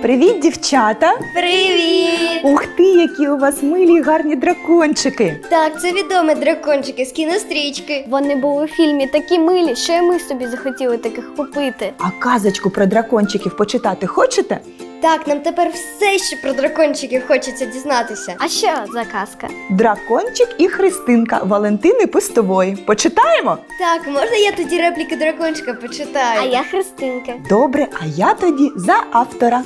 Привіт, дівчата! Привіт! Ух ти, які у вас милі й гарні дракончики! Так, це відомі дракончики з кінострічки. Вони були в фільмі такі милі, що і ми собі захотіли таких купити. А казочку про дракончиків почитати хочете? Так, нам тепер все ще про дракончиків хочеться дізнатися. А що за казка? Дракончик і Христинка Валентини Пустової. Почитаємо? Так, можна я тоді репліки дракончика почитаю? А я Христинка. Добре, а я тоді за автора.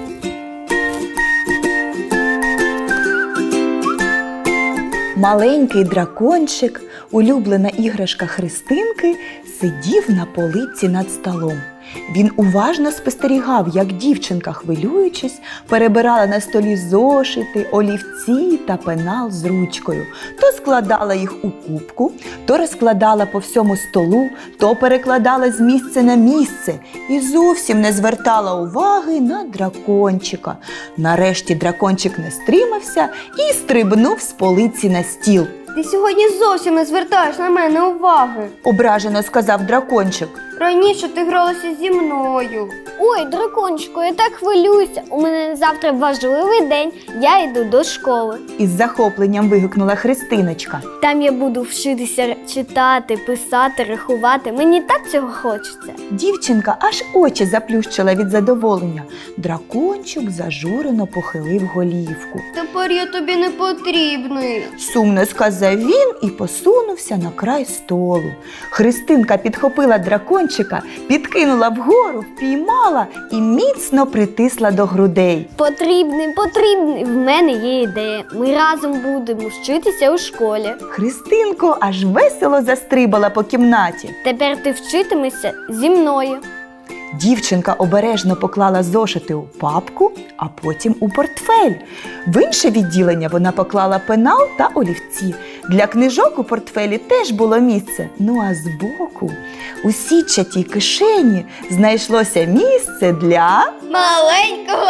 Маленький дракончик, улюблена іграшка Христинки, сидів на полиці над столом. Він уважно спостерігав, як дівчинка, хвилюючись, перебирала на столі зошити, олівці та пенал з ручкою. То складала їх у кубку, то розкладала по всьому столу, то перекладала з місця на місце і зовсім не звертала уваги на дракончика. Нарешті дракончик не стримався і стрибнув з полиці на стіл. Ти сьогодні зовсім не звертаєш на мене уваги. Ображено сказав дракончик. Раніше ти гралася зі мною. Ой, дракончику, я так хвилююся. У мене завтра важливий день, я йду до школи. Із захопленням вигукнула Христиночка. Там я буду вчитися читати, писати, рахувати. Мені так цього хочеться. Дівчинка аж очі заплющила від задоволення. Дракончик зажурено похилив голівку. Тепер я тобі не потрібний. Сумно сказав він і посунувся на край столу. Христинка підхопила дракончика, підкинула вгору, впіймала і міцно притисла до грудей. Потрібний. В мене є ідея. Ми разом будемо вчитися у школі. Христинко аж весело застрибала по кімнаті. Тепер ти вчитимешся зі мною. Дівчинка обережно поклала зошити у папку, а потім у портфель. В інше відділення вона поклала пенал та олівці. Для книжок у портфелі теж було місце. Ну а збоку, у сітчатій кишені, знайшлося місце для... Маленького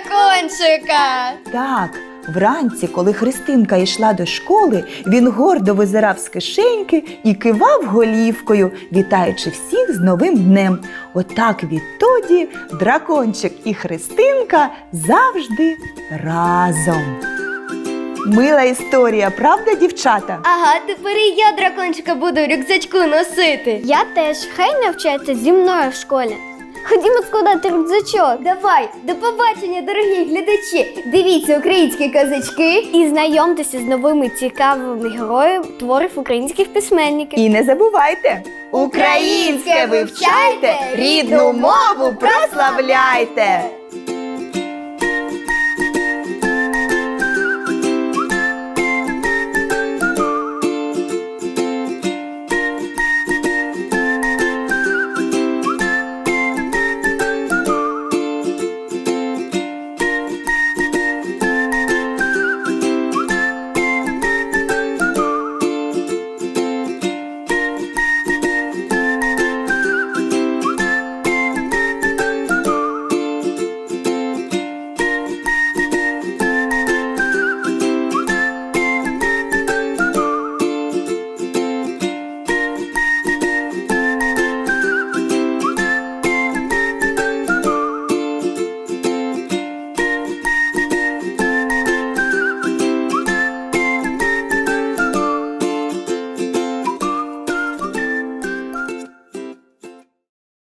дракончика. Так, вранці, коли Христинка йшла до школи, він гордо визирав з кишеньки і кивав голівкою, вітаючи всіх з новим днем. Отак відтоді дракончик і Христинка завжди разом. Мила історія, правда, дівчата? Ага, тепер і я дракончика буду в рюкзачку носити. Я теж. Хай навчається зі мною в школі. Ходімо складати рюкзачок. Давай, до побачення, дорогі глядачі! Дивіться українські казочки. І знайомтеся з новими цікавими героями творів українських письменників. І не забувайте, українське вивчайте, рідну мову прославляйте!